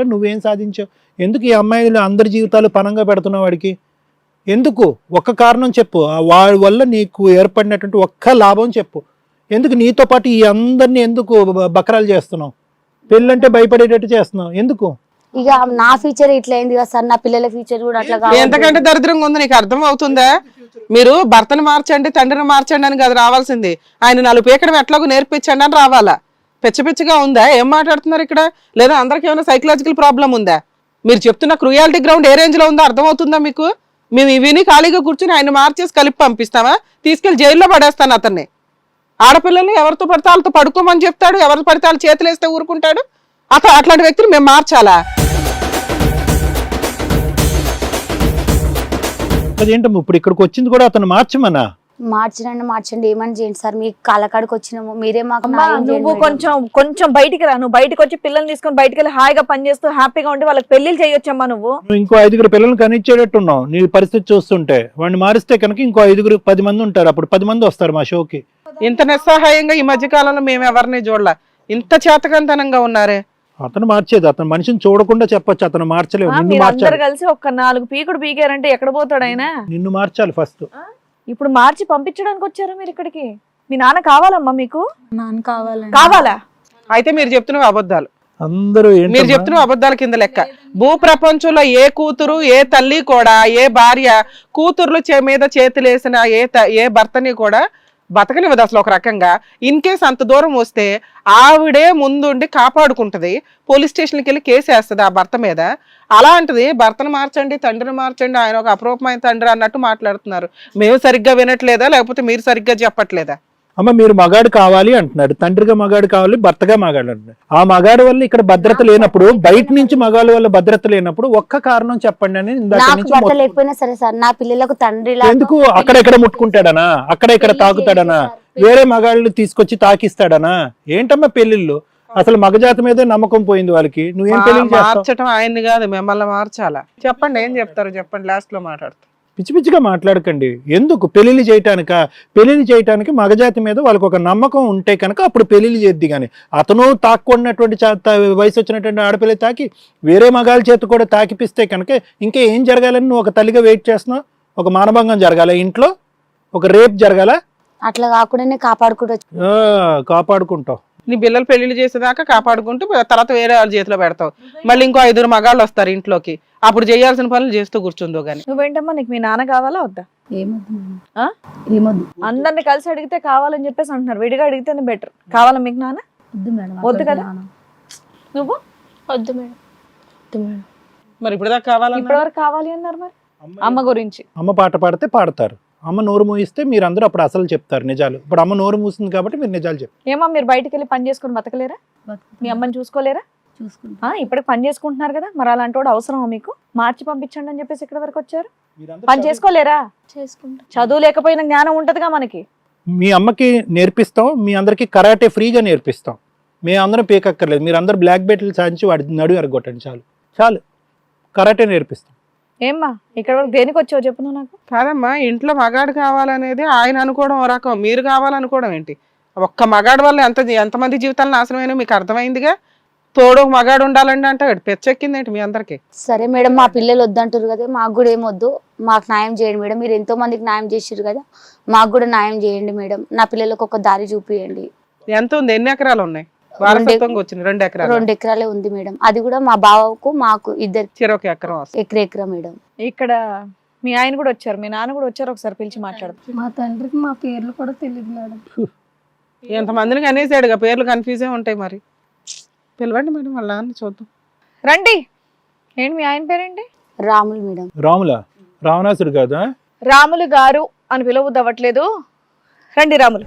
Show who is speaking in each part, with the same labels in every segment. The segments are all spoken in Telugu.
Speaker 1: వల్ల నువ్వేం సాధించావు? ఎందుకు ఈ అమ్మాయిలు అందరి జీవితాలు పనంగా పెడుతున్నావు వాడికి? ఎందుకు? ఒక్క కారణం చెప్పు. వాడి వల్ల నీకు ఏర్పడినటువంటి ఒక్క లాభం చెప్పు. ఎందుకు నీతో పాటు ఈ అందరినీ ఎందుకు బకరాలు చేస్తున్నావు? పెళ్ళంటే భయపడేటట్టు చేస్తున్నావు ఎందుకు?
Speaker 2: ఇక నా ఫ్యూచర్ ఇట్లా అయింది కదా సార్, నా పిల్లల ఫ్యూచర్ కూడా అట్లా కావాలి.
Speaker 3: ఎంతకంటే దరిద్రంగా ఉంది నీకు అర్థం అవుతుందా? మీరు భర్తను మార్చండి తండ్రిని మార్చండి అని కదా రావాల్సింది. ఆయన 4 పీకడం ఎట్లాగో నేర్పించండి అని రావాలా? పిచ్చగా ఉందా? ఏం మాట్లాడుతున్నారు ఇక్కడ? లేదా అందరికి ఏమైనా సైకలాజికల్ ప్రాబ్లం ఉందా? మీరు చెప్తున్న క్రూయాలిటీ గ్రౌండ్ ఏ రేంజ్ లో ఉందో అర్థం అవుతుందా మీకు? మేము ఇవిని ఖాళీగా కూర్చుని ఆయన మార్చేసి కలిపి పంపిస్తామా? తీసుకెళ్లి జైల్లో పడేస్తాను అతన్ని. ఆడపిల్లల్ని ఎవరితో పడితే వాళ్ళతో పడుకోమని చెప్తాడు, ఎవరితో పడితే వాళ్ళు చేతులు వేస్తే ఊరుకుంటాడు. అట్లాంటి వ్యక్తిని మేము మార్చాలా?
Speaker 1: అదేంటమ్మా ఇప్పుడు ఇక్కడికి వచ్చింది కూడా అతను మార్చమన్నా?
Speaker 2: మార్చండి ఏమని చేయండి సార్, మీ కాలకాడికి వచ్చినాము, మీరే మాకు
Speaker 4: నువ్వు కొంచెం బయటికి రా. నువ్వు బయటకు వచ్చి పిల్లల్ని తీసుకొని బయటకు వెళ్ళి హాయిగా పనిచేస్తూ హ్యాపీగా ఉండి వాళ్ళకి పెళ్లిళ్ళు చేయొచ్చమ్మా. నువ్వు
Speaker 1: ఇంకో 5 పిల్లల్ని కనిచ్చేటట్టున్నావు. నీ పరిస్థితి చూస్తుంటే వాడిని మారిస్తే కనుక ఇంకో 5 10 మంది ఉంటారు. అప్పుడు 10 మంది వస్తారు మా షోకి.
Speaker 3: ఇంత నిస్సహాయంగా ఈ మధ్య కాలంలో మేము ఎవరిని చూడలే. ఇంత చేతకంతనంగా ఉన్నారే.
Speaker 1: అతను మార్చేది, అతను మనిషిని చూడకుండా చెప్పొచ్చు అతను మార్చలేవు.
Speaker 4: అందరు కలిసి ఒక్క 4 పీకుడు పీకారంటే ఎక్కడ పోతాడు ఆయన?
Speaker 1: నిన్ను మార్చాలి ఫస్ట్.
Speaker 4: ఇప్పుడు మార్చి పంపించడానికి వచ్చారు మీరు ఇక్కడికి. మీ నాన్న కావాలమ్మా మీకు?
Speaker 2: నాన్న
Speaker 4: కావాలా?
Speaker 3: అయితే మీరు చెప్తున్న అబద్ధాలు.
Speaker 1: అందరూ
Speaker 3: మీరు చెప్తున్న అబద్ధాల కింద లెక్క. భూ ప్రపంచంలో ఏ కూతురు ఏ తల్లి కూడా ఏ భార్య కూతుర్లు మీద చేతులేసిన ఏ భర్తని కూడా బతకనివ్వదు అసలు. ఒక రకంగా ఇన్ కేస్ అంత దూరం వస్తే ఆవిడే ముందుండి కాపాడుకుంటది, పోలీస్ స్టేషన్కి వెళ్ళి కేసు వేస్తుంది ఆ భర్త మీద. అలాంటిది భర్తను మార్చండి తండ్రిని మార్చండి, ఆయన ఒక అపరూపమైన తండ్రి అన్నట్టు మాట్లాడుతున్నారు. మేము సరిగ్గా వినట్లేదా లేకపోతే మీరు సరిగ్గా చెప్పట్లేదా?
Speaker 1: అమ్మ మీరు మగాడు కావాలి అంటున్నాడు, తండ్రిగా మగాడు కావాలి, భర్తగా మగాడు అంటున్నాడు. ఆ మగాడు వల్ల ఇక్కడ భద్రత లేనప్పుడు, బయట నుంచి మగాళ్ళ వల్ల భద్రత లేనప్పుడు ఒక్క కారణం చెప్పండి అని
Speaker 2: భర్త లేకపోయినా సరే సార్, నా పిల్లలకు తండ్రి
Speaker 1: ఎందుకు అక్కడెక్కడ ముట్టుకుంటాడనా, అక్కడ ఇక్కడ తాకుతాడనా, వేరే మగాళ్ళు తీసుకొచ్చి తాకిస్తాడనా? ఏంటమ్మా పెళ్లిళ్ళు? అసలు మగజాతి మీదే నమ్మకం పోయింది వాళ్ళకి. నువ్వేం పెళ్లి
Speaker 3: మార్చడం ఆయన్ని కాదు మిమ్మల్ని మార్చాలా? చెప్పండి ఏం చెప్తారు చెప్పండి, లాస్ట్ లో మాట్లాడతారు.
Speaker 1: పిచ్చి పిచ్చిగా మాట్లాడకండి. ఎందుకు పెళ్లిళ్ళు చేయటానికి మగజాతి మీద వాళ్ళకి ఒక నమ్మకం ఉంటే కనుక అప్పుడు పెళ్లిళ్ళు చేద్ది. కానీ అతను తాక్కున్నటువంటి వయసు వచ్చినటువంటి ఆడపిల్ల తాకి వేరే మగాళ్ళ చేతి కూడా తాకిపిస్తే కనుక ఇంకా ఏం జరగాలని నువ్వు ఒక తల్లిగా వెయిట్ చేస్తున్నావు? ఒక మానభంగం జరగాల ఇంట్లో, ఒక రేప్ జరగాల?
Speaker 2: అట్లా కాకుండా
Speaker 1: కాపాడుకుంటావు.
Speaker 3: నీ పిల్లలు పెళ్లిళ్ళు చేసేదాకా కాపాడుకుంటూ తర్వాత వేరే వాళ్ళ చేతిలో పెడతావు. మళ్ళీ ఇంకో 5 మగాళ్ళు వస్తారు ఇంట్లోకి, అప్పుడు చేయాల్సిన పనులు చేస్తూ కూర్చుందో గానీ.
Speaker 4: నువ్వేంటమ్మా, నీకు మీ నాన్న కావాలా వద్దా?
Speaker 2: ఏమొద్దు.
Speaker 4: అందరిని కలిసి అడిగితే కావాలని చెప్పేసి అంటున్నారు, విడిగా అడిగితేనే బెటర్. కావాలా మీకు నాన్న? వద్దు కదా. నువ్వు?
Speaker 2: వద్దు మేడం.
Speaker 3: మరి ఇప్పుడు దాకా కావాలా?
Speaker 4: ఇప్పటివరకు కావాలి అన్నారు. మరి అమ్మ గురించి
Speaker 1: అమ్మ పాట పాడితే పాడతారు, అమ్మ నోరు మూయిస్తే మీరు అందరూ అప్పుడు అసలు చెప్తారు నిజాలు. ఇప్పుడు అమ్మ నోరు మూసింది కాబట్టి మీరు నిజాలు చెప్తారు.
Speaker 4: ఏమో మీరు బయటకు వెళ్ళి పని చేసుకుని బతకలేరా? మీ అమ్మని చూసుకోలేరా? ఇప్పటికి పని చేసుకుంటున్నారు కదా, మరి అలాంటి వాడు అవసరమా మీకు? మార్చి పంపించండి అని చెప్పేసి ఇక్కడ వరకు వచ్చారు. పని చేసుకోలేరా? చదువు లేకపోయినా జ్ఞానం ఉంటదిగా మనకి.
Speaker 1: మీ అమ్మకి నేర్పిస్తాం, మీ అందరికి కరాటే ఫ్రీగా నేర్పిస్తాం. మీ అందరం పేకక్కర్లేదు, మీరు అందరు బ్లాక్ బెల్ట్లు సాధించి వాడి నడు ఎరగొట్టండి చాలు. కరాటే నేర్పిస్తాం.
Speaker 4: ఏమ్మా ఇక్కడ వరకు దేనికి వచ్చావు చెప్పు నువ్వు నాకు.
Speaker 3: కాదమ్మా, ఇంట్లో మగాడు కావాలనేది ఆయన అనుకోవడం ఓ రకం, మీరు కావాలనుకోవడం ఏంటి? ఒక్క మగాడు వల్ల ఎంతమంది జీవితాలు నాశనమైనా మీకు అర్థమైందిగా. తోడు మగాడు ఉండాలండి అంటే పెచ్చెక్కింది ఏంటి మీ అందరికి?
Speaker 2: సరే మేడం, మా పిల్లలు వద్దంటారు కదా, మాకు కూడా ఏమొద్దు, మాకు న్యాయం చేయండి మేడం. మీరు ఎంతో మందికి న్యాయం చేసారు కదా, మాకు కూడా న్యాయం చేయండి మేడం. నా పిల్లలకు ఒక దారి చూపియండి.
Speaker 3: ఎంత ఉంది? ఎన్ని ఎకరాలు ఉన్నాయి? 2 ఎకరాలు.
Speaker 2: 2 ఎకరాలే ఉంది మేడం. అది కూడా మా బావకు మాకు ఇద్దరు ఎకరం మేడం.
Speaker 4: ఇక్కడ మీ ఆయన కూడా వచ్చారు, మీ నాన్న కూడా వచ్చారు, ఒకసారి పిలిచి మాట్లాడు.
Speaker 5: మా తండ్రికి మా పేర్లు కూడా తెలియదు మేడం.
Speaker 3: ఎంతమందిని అనేసాడుగా, పేర్లు కన్ఫ్యూజ్ ఉంటాయి. మరి పిలవండి మేడం వాళ్ళ నాన్న చూద్దాం.
Speaker 4: రండి. ఏంటి మీ ఆయన పేరేంటి?
Speaker 2: రాములు మేడం.
Speaker 1: రాములా? రావణాసుడు కాదా?
Speaker 4: రాములు గారు అని పిలవద్దు అవ్వట్లేదు. రండి రాములు.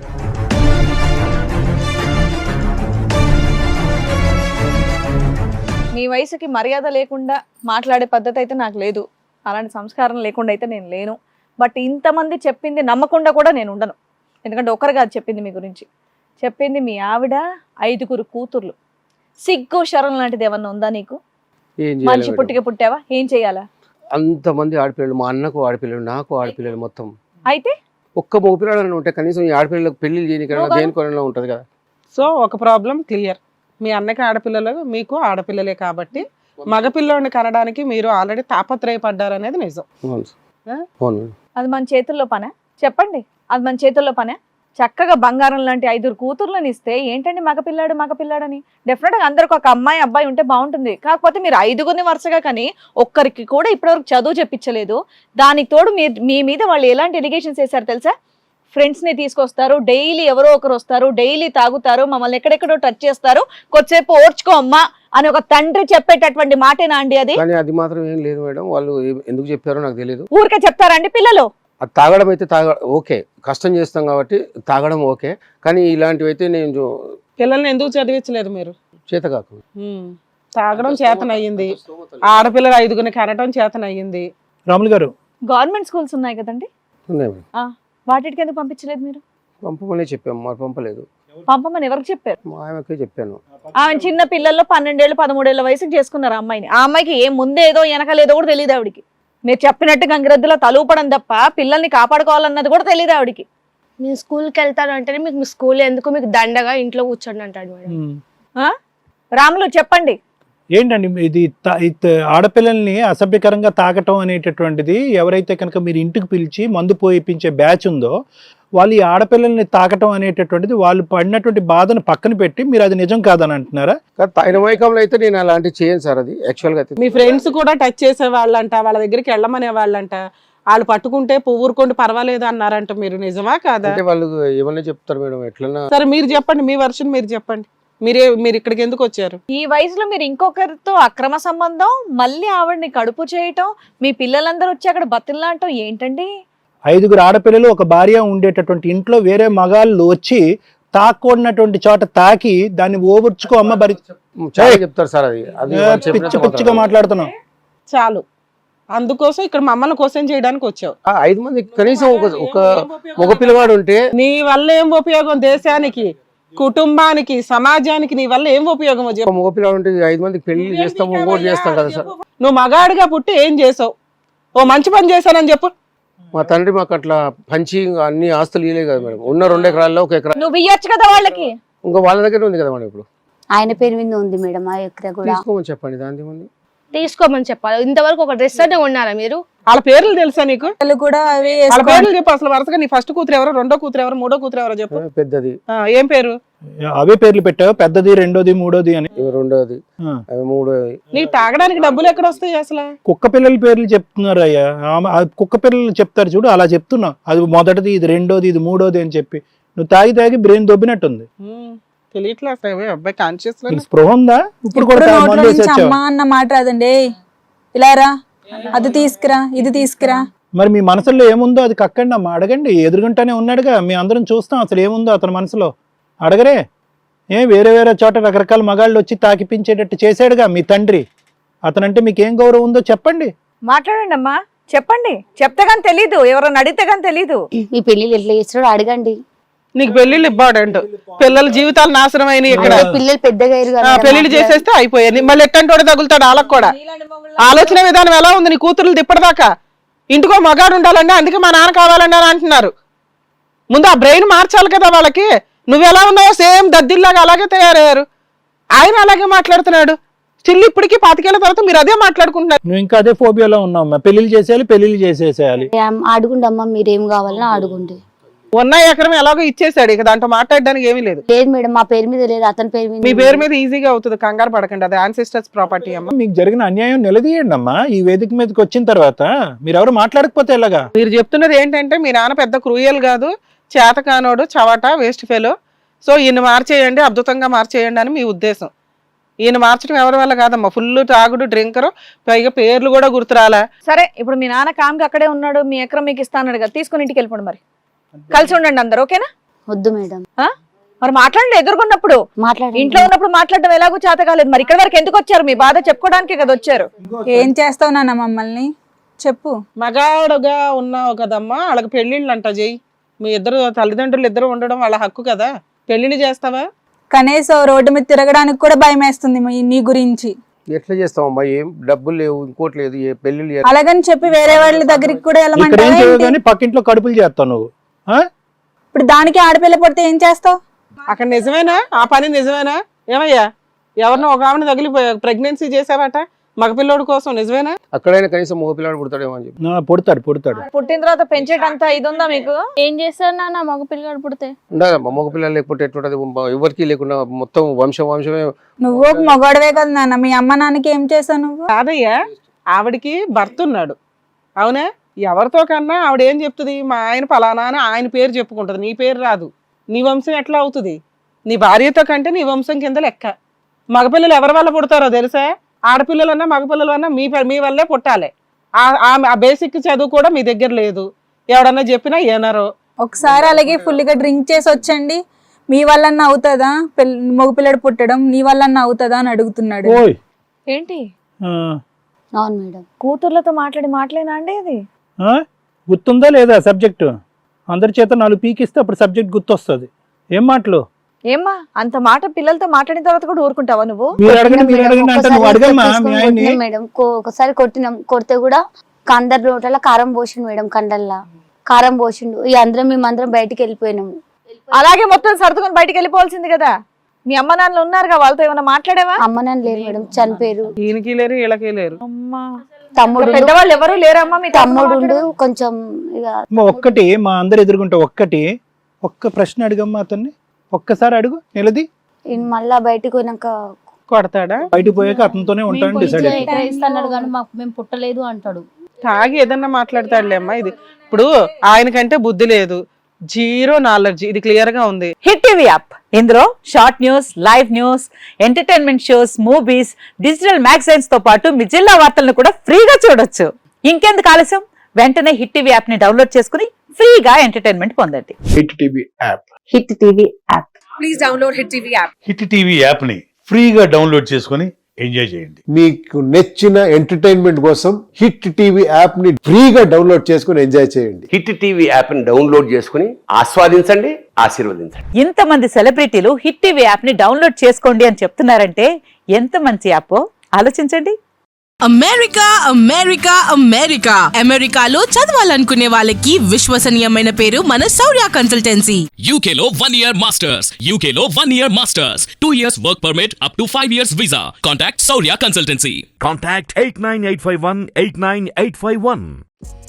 Speaker 4: మీ వయసుకి మర్యాద లేకుండా మాట్లాడే పద్ధతి అయితే నాకు లేదు, అలాంటి సంస్కారం లేకుండా అయితే నేను లేను. బట్ ఇంతమంది చెప్పింది నమ్మకుండా కూడా నేను ఉండను. ఎందుకంటే ఒకరు కాదు చెప్పింది మీ గురించి, చెప్పింది మీ ఆవిడ, 5 కూతుర్లు. సిగ్గు శరం లాంటిది ఏమన్నా ఉందా నీకు? మనిషి పుట్టికే పుట్టావా? ఏం చెయ్యాలా?
Speaker 6: అంతమంది ఆడపిల్లలు, మా అన్నకు ఆడపిల్లలు, నాకు ఆడపిల్లలు, మొత్తం
Speaker 4: అయితే
Speaker 6: ఒక్క మగపిల్లలు ఉంటే కనీసం ఈ ఆడపిల్లలకు పెళ్లి చేయడానికి దేనికొనలో ఉంటది కదా.
Speaker 3: సో ఒక ప్రాబ్లం క్లియర్, మీ అన్నకి ఆడపిల్లలు మీకు ఆడపిల్లలే కాబట్టి మగపిల్లోడిని కనడానికి మీరు ఆల్రెడీ తాపత్రయపడ్డారు అనేది నిజం.
Speaker 6: అవును
Speaker 3: ఆ?
Speaker 6: అవును మేడం.
Speaker 4: అది మన చేతుల్లో పనే చెప్పండి, అది మన చేతుల్లో పనే. చక్కగా బంగారం లాంటి 5 కూతుర్లను ఇస్తే ఏంటండి మగపిల్లాడని. డెఫినెట్ గా అందరికి ఒక అమ్మాయి అబ్బాయి ఉంటే బాగుంటుంది. కాకపోతే మీరు 5 వరుసగా కానీ ఒక్కరికి కూడా ఇప్పటివరకు చదువు చెప్పించలేదు. దానికి తోడు మీ మీద వాళ్ళు ఎలాంటి ఎలిగేషన్స్ వేశారు తెలుసా? ఫ్రెండ్స్ ని తీసుకొస్తారు, డైలీ ఎవరో ఒకరు వస్తారు, డైలీ తాగుతారు, మమ్మల్ని ఎక్కడెక్కడో టచ్ చేస్తారు, కొద్దిసేపు ఓర్చుకో అమ్మా అని ఒక తండ్రి చెప్పేటటువంటి మాటేనా అండి అది?
Speaker 6: కానీ అది మాత్రం ఏం లేదు మేడం. వాళ్ళు ఎందుకు చెప్పారో నాకు తెలియదు.
Speaker 4: ఊరికే చెప్తారండి పిల్లలు?
Speaker 6: అది తాగడం అయితే ఓకే, కష్టం చేస్తాం కాబట్టి తాగడం ఓకే. కానీ ఇలాంటివి అయితే నేను
Speaker 3: పిల్లల్ని ఎందుకు చదివించలేదు మీరు?
Speaker 6: చేత కాకు.
Speaker 3: తాగడం చేతనయ్యింది, ఆడపిల్లలు 5 కనటం చేతనయ్యింది.
Speaker 1: రాములు గారు,
Speaker 4: గవర్నమెంట్ స్కూల్స్ ఉన్నాయి కదండి,
Speaker 6: ఉన్నాయి మేడం.
Speaker 4: వాటికి ఎందుకు పంపించలేదు మీరు?
Speaker 6: పంపమనే చెప్పాము, మరి పంపలేదు.
Speaker 4: పంపమని ఎవరికి చెప్పారు?
Speaker 6: మా ఆయనకే చెప్పాను.
Speaker 4: ఆమె చిన్న పిల్లల్లో 12 ఏళ్ళు 13 ఏళ్ళ వయసుకి చేసుకున్నారు ఆ అమ్మాయిని. ఆ అమ్మాయికి ఏం ముందేదో వెనకలేదో కూడా తెలియదు ఆవిడికి. మీరు చెప్పినట్టు గంగిరెద్దులో తలూపడం తప్ప పిల్లల్ని కాపాడుకోవాలన్నది కూడా తెలియదు ఆవిడికి.
Speaker 5: నేను స్కూల్కి వెళ్తాను అంటే మీకు మీ స్కూల్ ఎందుకు, మీకు దండగా ఇంట్లో కూర్చోండి అంటాడు మేడం.
Speaker 4: రాములు చెప్పండి.
Speaker 1: ఏంటండి ఇది ఆడపిల్లల్ని అసభ్యకరంగా తాకటం అనేటటువంటిది, ఎవరైతే కనుక మీరు ఇంటికి పిలిచి మందు పోయిపించే బ్యాచ్ ఉందో వాళ్ళు ఈ ఆడపిల్లల్ని తాకటం అనేటటువంటిది, వాళ్ళు పడినటువంటి బాధను పక్కన పెట్టి మీరు అది నిజం కాదని అంటున్నారా?
Speaker 6: ఆయన వైకంలో అయితే నేను అలాంటివి చేయను సార్. అది యాక్చువల్గా అయితే
Speaker 3: మీ ఫ్రెండ్స్ కూడా టచ్ చేసే వాళ్ళంట, వాళ్ళ దగ్గరికి వెళ్ళమనే వాళ్ళంట, వాళ్ళు పట్టుకుంటే ఊరుకోండి పర్వాలేదు అన్నారంట. మీరు నిజమా కాదా?
Speaker 6: అంటే వాళ్ళు ఏమన్నా చెప్తారు మేడం, ఎట్లన్నా.
Speaker 3: సరే మీరు చెప్పండి, మీ వర్షన్ మీరు చెప్పండి. మీరు ఇక్కడికి ఎందుకు వచ్చారు?
Speaker 4: ఈ వయసులో మీరు ఇంకొకరితో అక్రమ సంబంధం, మళ్ళీ ఆవిడని కడుపు చేయటం, మీ పిల్లలందరూ వచ్చి అక్కడ బతిల్లాంటం ఏంటండి?
Speaker 1: 5 ఆడపిల్లలు ఒక భార్య ఉండేటటువంటి ఇంట్లో వేరే మగాళ్ళు వచ్చి తాకూడనటువంటి చోట తాకి దాన్ని ఓవర్చుకో అమ్మ భరి
Speaker 6: చాలా చెప్తారు సార్. అది
Speaker 1: పిచ్చి పిచ్చిగా మాట్లాడుతున్నాం.
Speaker 3: చాలు, అందుకోసం ఇక్కడ మమ్మల్ని క్వశ్చన్ చేయడానికి వచ్చావు.
Speaker 6: 5 మంది కనీసం ఒక మగ పిల్లవాడు ఉంటే
Speaker 3: నీ వల్ల ఏం ఉపయోగం? దేశానికి, కుటుంబానికి, సమాజానికి నీ వల్ల ఏం ఉపయోగం?
Speaker 6: ఒక మగ పిల్లవాడు ఉంటే 5 మందికి పెళ్లి చేస్తాం, ఇంకోటి చేస్తాం కదా సార్.
Speaker 3: నువ్వు మగాడిగా పుట్టి ఏం చేసావు? ఓ మంచి పని చేశానని చెప్పు.
Speaker 6: మా తండ్రి మాకు అట్లా పంచి అన్ని ఆస్తులు ఇయ్యలే కదా మేడం. ఉన్న 2 ఎకరాల్లో 1 ఎకరా
Speaker 4: నువ్వు ఇయ్యొచ్చు కదా వాళ్ళకి.
Speaker 6: ఇంకా వాళ్ళ దగ్గర ఉంది కదా మేడం. ఇప్పుడు
Speaker 2: ఆయన పేరు మీద ఉంది మేడం ఆ ఎకరా కూడా.
Speaker 6: తీసుకోమని చెప్పండి, దాని ముందు
Speaker 5: తీసుకోమని చెప్పాలి. ఇంతవరకు ఒక డ్రెస్ అంటే ఉన్నారా మీరు?
Speaker 3: వాళ్ళ పేర్లు తెలుసా నీకు?
Speaker 7: కూడా
Speaker 3: వాళ్ళ పేర్లు చెప్పు అసలు. వరుసగా నీ ఫస్ట్ కూతురు ఎవరో, రెండో కూతురు ఎవరో, మూడో కూతురు ఎవరో చెప్పు.
Speaker 6: పెద్దది
Speaker 3: ఏం పేరు?
Speaker 1: అవే పేర్లు పెట్టావు, పెద్దది, రెండోది, మూడోది అని.
Speaker 6: రెండోది, మూడోది.
Speaker 3: నీకు తాగడానికి డబ్బులు ఎక్కడ వస్తాయి అసలు?
Speaker 1: కుక్క పిల్లల పేర్లు చెప్తున్నారు అయ్యా. కుక్క పిల్లలు చెప్తారు చూడు, అలా చెప్తున్నావు. అది మొదటిది, ఇది రెండోది, ఇది మూడోది అని చెప్పి నువ్వు తాగి బ్రెయిన్ దొబ్బినట్టుంది.
Speaker 3: తెలియట్లే అబ్బాయి కాన్షియస్
Speaker 1: స్పృహ ఉందా? ఇప్పుడు కూడా మందు వేసి వచ్చావు.
Speaker 7: అమ్మా అన్న మాట రాదండి. ఇలా రా, అది తీసుకురా, ఇది తీసుకురా.
Speaker 1: మరి మీ మనసులో ఏముందో అది కక్కండి అమ్మా, అడగండి. ఎదురుగుంటానే ఉన్నాడుగా, మీ అందరం చూస్తాం అసలు ఏముందో అతని మనసులో. అడగరే? వేరే వేరే చోట రకరకాల మగాళ్ళు వచ్చి తాకిపించేటట్టు చేశాడుగా మీ తండ్రి. అతనంటే మీకు ఏం గౌరవం ఉందో చెప్పండి.
Speaker 4: మాట్లాడండి అమ్మా, చెప్పండి. చెప్తే గాని తెలీదు, ఎవరైనా అడిగితే గాని తెలీదు.
Speaker 2: మీ పెళ్లిళ్ళు ఎట్లా చేస్తాడో అడగండి.
Speaker 3: నీకు పెళ్లిళ్ళు ఇంపార్టెంట్. పిల్లల జీవితాలు నాశనం అయినాయి ఇక్కడ.
Speaker 2: పిల్లలు పెద్దగా అయ్యారు కదా.
Speaker 3: పెళ్లిళ్ళు చేసేస్తే అయిపోయాయి. మళ్ళీ ఎట్టంటోడు తగులుతాడు వాళ్ళకి కూడా. ఆలోచన విధానం ఎలా ఉంది నీ కూతురు ఇప్పటిదాకా? ఇంటికో మగాడు ఉండాలండి, అందుకే మా నాన్న కావాలండి అని అంటున్నారు. ముందు ఆ బ్రెయిన్ మార్చాలి కదా వాళ్ళకి. నువ్వు ఎలా ఉన్నావో సేమ్ దద్దిల్లాగా అలాగే తయారయ్యారు. ఆయన అలాగే మాట్లాడుతున్నాడు. చిల్లి ఇప్పటికీ 25 ఏళ్ల తర్వాత మీరు అదే మాట్లాడుకుంటున్నారు.
Speaker 1: నువ్వు ఇంకా అదే ఫోబియాలో ఉన్నావు. పెళ్లిళ్ళు చేసేయాలి, పెళ్లిళ్ళు చేసేసేయాలి.
Speaker 2: అడుగుండి అమ్మ, మీరేం కావాలన్నా అడుగుండి.
Speaker 3: ఉన్న ఎకరం ఎలాగో ఇచ్చేసాడు, ఇక దాంట్లో మాట్లాడడానికి ఏమీ లేదు.
Speaker 2: లేదు మేడం, మా పేరు మీద లేదు, అతని పేరు మీద.
Speaker 3: మీ పేరు మీద ఈజీగా అవుతుంది, కంగారు పడకండి. అది యాన్సిస్టర్స్ ప్రాపర్టీ అమ్మ.
Speaker 1: మీకు జరిగిన అన్యాయం నిలదీయండి అమ్మా. ఈ వేదిక మీదకి వచ్చిన తర్వాత మీరు ఎవరు మాట్లాడకపోతే ఎలాగా?
Speaker 3: మీరు చెప్తున్నది ఏంటంటే మీ నాన్న పెద్ద క్రూయల్ కాదు, చేతకానోడు, చవట, వేస్ట్ ఫెలో. సో ఈయన మార్చేయండి, అద్భుతంగా మార్చేయండి అని మీ ఉద్దేశం. ఈయన మార్చడం ఎవరి వల్ల కాదమ్మా. ఫుల్ తాగుడు, డ్రింకరు, పైగా పేర్లు కూడా గుర్తురాలా.
Speaker 4: సరే, ఇప్పుడు మీ నాన్న కామ్కి అక్కడే ఉన్నాడు, మీ ఎకరం మీకు ఇస్తాను కదా, తీసుకుని ఇంటికి వెళ్ళిపోండి. మరి కలిసి ఉండండి అందరు, ఓకేనా?
Speaker 2: వద్దు మేడం.
Speaker 4: మరి మాట్లాడండి, ఎదుర్కొన్నప్పుడు
Speaker 2: మాట్లాడండి.
Speaker 4: ఇంట్లో ఉన్నప్పుడు మాట్లాడడం ఎలాగో చేత కాలేదు. మరి ఇక్కడ వరకు ఎందుకు వచ్చారు? మీ బాధ చెప్పుకోవడానికే కదా వచ్చారు.
Speaker 7: ఏం చేస్తావు నాన్న మమ్మల్ని చెప్పు.
Speaker 3: మగాడుగా ఉన్నావు కదమ్మా, వాళ్ళకి పెళ్లిళ్ళు అంట చెయ్యి. మీ ఇద్దరు తల్లిదండ్రులు ఇద్దరు ఉండడం వాళ్ళ హక్కు కదా. పెళ్లిళ్ళు చేస్తావా?
Speaker 7: కనీసం రోడ్డు మీద తిరగడానికి కూడా భయం వేస్తుంది నీ గురించి.
Speaker 6: ఎట్లా చేస్తామమ్మా? ఏం డబ్బులు లేవు, ఇంకోటి లేదు, ఏ పెళ్లి.
Speaker 7: అలాగని చెప్పి వేరే వాళ్ళ దగ్గరికి కూడా వెళ్ళమంటావా?
Speaker 1: పక్కింట్లో కడుపులు చేస్తావు నువ్వు.
Speaker 7: ఇప్పుడు దానికి ఆడపిల్ల పడితే ఏం చేస్తావు?
Speaker 3: అక్కడ నిజమేనా? ఆ పని నిజమేనా? ఏమయ్యా, ఎవరినో ఒక ఆమెను తగిలి ప్రెగ్నెన్సీ చేసావట, మగపిల్లోడి కోసం నిజమేనా?
Speaker 6: అక్కడైనా కనీసం మగ పిల్లాడు పుడతాడేమో అని చెప్పి
Speaker 1: పుడతాడు
Speaker 4: పుట్టిన తర్వాత పెంచేటంత ఇది ఉందా మీకు?
Speaker 2: ఏం చేస్తారు నాన్న మగ పిల్లగాడు పుడితే?
Speaker 6: ఉండదమ్మా మగ పిల్లలు లేకపోతే ఎట్లుంటది, ఎవరికి లేకుండా మొత్తం వంశమే.
Speaker 7: నువ్వు ఒక మగవాడివే కదా నాన్న, మీ అమ్మ నాన్నకి ఏం చేసావు నువ్వు?
Speaker 3: కాదయ్యా, ఆవిడకి భర్త ఉన్నాడు అవునా? ఎవరితో కన్నా ఆవిడ ఏం చెప్తుంది, మా ఆయన ఫలానా అని ఆయన పేరు చెప్పుకుంటది, నీ పేరు రాదు. నీ వంశం ఎట్లా అవుతుంది? నీ భార్యతో కంటే నీ వంశం కింద లెక్క. మగపిల్లలు ఎవరి వల్ల పుడతారో తెలుసా? ఆడపిల్లలన్నా మగపిల్లలన్నా మీ వల్లే పుట్టాలి. ఆ బేసిక్ చదువు కూడా మీ దగ్గర లేదు, ఎవడన్నా చెప్పినా ఏనారో.
Speaker 7: ఒకసారి అలాగే ఫుల్గా డ్రింక్ చేసి వచ్చండి, మీ వల్లన్నా అవుతుందా మగపిల్లడు పుట్టడం, నీ వల్లన్నా అవుతుందా అని అడుగుతున్నాడు.
Speaker 1: ఓయ్
Speaker 4: ఏంటి
Speaker 2: అవును మేడం.
Speaker 4: కూతుర్లతో మాటలేనా అండి ఇది?
Speaker 1: గుర్తుందా లేదా సబ్జెక్టు? అందరి చేత 4 పీకిస్తే అప్పుడు సబ్జెక్ట్ గుర్తొస్తుంది. ఏం మాటలు?
Speaker 4: ఏమ్మా అంత మాట పిల్లలతో మాట్లాడిన తర్వాత కూడా ఊరుకుంటావా నువ్వు?
Speaker 1: మీరు అడగండి అంటే నువ్వు అడగమ్మా మీ ఆయన్ని.
Speaker 2: మేడం ఒకసారి కొట్టినాం, కొడితే కూడా కందర్ లోటల కారం పోసిండు మేడం, కండల్లా కారం పోసిండు. ఈ మేమందరం బయటికి వెళ్ళిపోయినాము.
Speaker 4: అలాగే మొత్తం సర్దుకొని బయటికి వెళ్ళిపోవాల్సింది కదా. మీ అమ్మ నాన్నలు ఉన్నారుగా, వాళ్ళతో ఏమైనా మాట్లాడేవా?
Speaker 2: అమ్మ నాన్న లేరు మేడం, చనిపోయారు.
Speaker 3: ఈయనకి లేరు వీళ్ళకి లేరు.
Speaker 4: అమ్మా
Speaker 2: తమ్ముడు
Speaker 4: పెద్దవాళ్ళు ఎవరు లేరమ్మా? మీ
Speaker 2: తమ్ముడు కొంచెం ఇక
Speaker 1: ఒక్కటి మా అందరు ఎదుర్కొంటే ఒక్క ప్రశ్న అడుగమ్మా అతన్ని, ఒక్కసారి అడుగు నిలది.
Speaker 2: ఈయన మళ్ళా బయటికి పోయినాక
Speaker 3: కొడతాడా?
Speaker 1: బయటికి పోయాక అతనితోనే ఉంటాను డిసైడ్
Speaker 8: ఎక్కడిస్తున్నాడు కానీ మాకు మేము పుట్టలేదు అంటాడు.
Speaker 3: తాగి ఏదన్నా మాట్లాడతాడులే అమ్మా. ఇది ఇప్పుడు ఆయనకంటే బుద్ధి లేదు, 0 నాలెడ్జ్, ఇది క్లియర్ గా ఉంది.
Speaker 9: హిట్ టీవీ యాప్, ఇందులో short news, live news, entertainment shows, movies, digital magazines తో పాటు మీ జిల్లా వార్తలను కూడా ఫ్రీగా చూడొచ్చు. ఇంకెందుకు ఆలస్యం, వెంటనే హిట్ టీవీ యాప్ ని డౌన్లోడ్ చేసుకుని ఫ్రీగా ఎంటర్టైన్మెంట్ పొందండి.
Speaker 10: Hit TV app.
Speaker 9: Hit TV app.
Speaker 7: Please download hit TV app.
Speaker 10: Hit TV app ని ఫ్రీగా డౌన్లోడ్ చేసుకొని ఎంజాయ్ చేయండి.
Speaker 11: మీకు నచ్చిన ఎంటర్టైన్మెంట్ కోసం హిట్ టీవీ యాప్ ని ఫ్రీగా డౌన్లోడ్ చేసుకుని ఎంజాయ్ చేయండి.
Speaker 12: హిట్ టీవీ యాప్ ని డౌన్లోడ్ చేసుకుని ఆస్వాదించండి, ఆశీర్వదించండి.
Speaker 9: ఇంతమంది సెలబ్రిటీలు హిట్ టీవీ యాప్ ని డౌన్లోడ్ చేసుకోండి అని చెప్తున్నారంటే ఎంత మంచి యాప్ ఆలోచించండి.
Speaker 13: అమెరికా అమెరికాలో చదవాలనుకునే వాళ్ళకి విశ్వసనీయమైన పేరు మన శౌర్య కన్సల్టెన్సీ.
Speaker 14: యూకేలో 1 year masters, యూకేలో 1 year masters, 2 years work permit up to 5 years visa. Contact Saurya Consultancy.
Speaker 15: Contact 89851 89851.